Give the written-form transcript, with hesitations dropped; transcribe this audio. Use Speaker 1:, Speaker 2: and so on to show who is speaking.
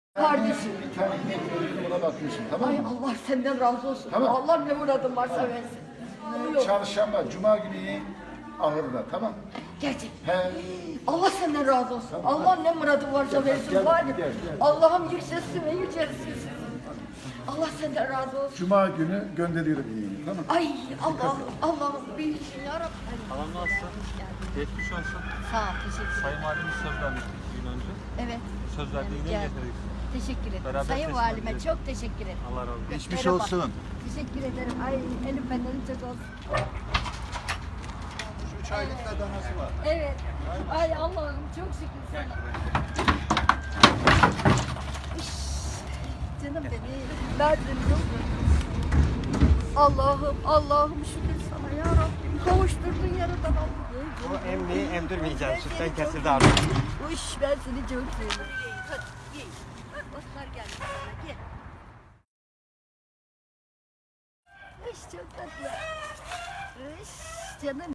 Speaker 1: Kardeşim.
Speaker 2: Bir tane inek öldürdüm, ona bakmışım, tamam
Speaker 1: Ay
Speaker 2: mı?
Speaker 1: Allah senden razı olsun.
Speaker 2: Tamam.
Speaker 1: Allah ne muradın varsa versin. Yok.
Speaker 2: Çarşamba, cuma günü ineğin ahırda, tamam?
Speaker 1: Gerçek.
Speaker 2: He.
Speaker 1: Allah senden razı olsun.
Speaker 2: Tamam.
Speaker 1: Allah ne muradın varsa versin.
Speaker 2: gel,
Speaker 1: Var.
Speaker 2: gel.
Speaker 1: Allah'ım yükselsin ve yücelsin. Allah senden razı olsun.
Speaker 2: Cuma günü gönderiyorum ineğini, tamam?
Speaker 1: Ay Allah'ım büyüksün ya Rabbi.
Speaker 3: Halam nasılsın? Geçmiş olsun.
Speaker 1: Sağ ol, teşekkür ederim.
Speaker 3: Sayın Valimiz söz vermiştik 2 gün önce.
Speaker 1: Evet.
Speaker 3: Söz verdiği ineği
Speaker 1: Geldim.
Speaker 3: getirdik.
Speaker 1: Teşekkür ederim.
Speaker 3: Beraber
Speaker 1: Sayın
Speaker 3: teslim
Speaker 1: Valime
Speaker 3: edeceğiz.
Speaker 1: çok teşekkür ederim.
Speaker 3: Allah razı olsun.
Speaker 2: Geçmiş
Speaker 1: Merhaba.
Speaker 2: olsun.
Speaker 1: Teşekkür ederim. Ay elim benden çok olsun.
Speaker 2: 3 aylık da danası var.
Speaker 1: Evet. Ay Allah'ım çok şükür sana. Üş, canım benim. Verdin yok. Allah'ım şükür sana ya Rabbim. Kavuşturdun yaradan Allah'ım.
Speaker 4: O emmeyi emdirmeyeceğim. Sütten kesildi abi.
Speaker 1: Uş ben seni çok seviyorum. Hadi ye. Bak otlar geldi sana gel. Uş çok tatlı. Uş canım.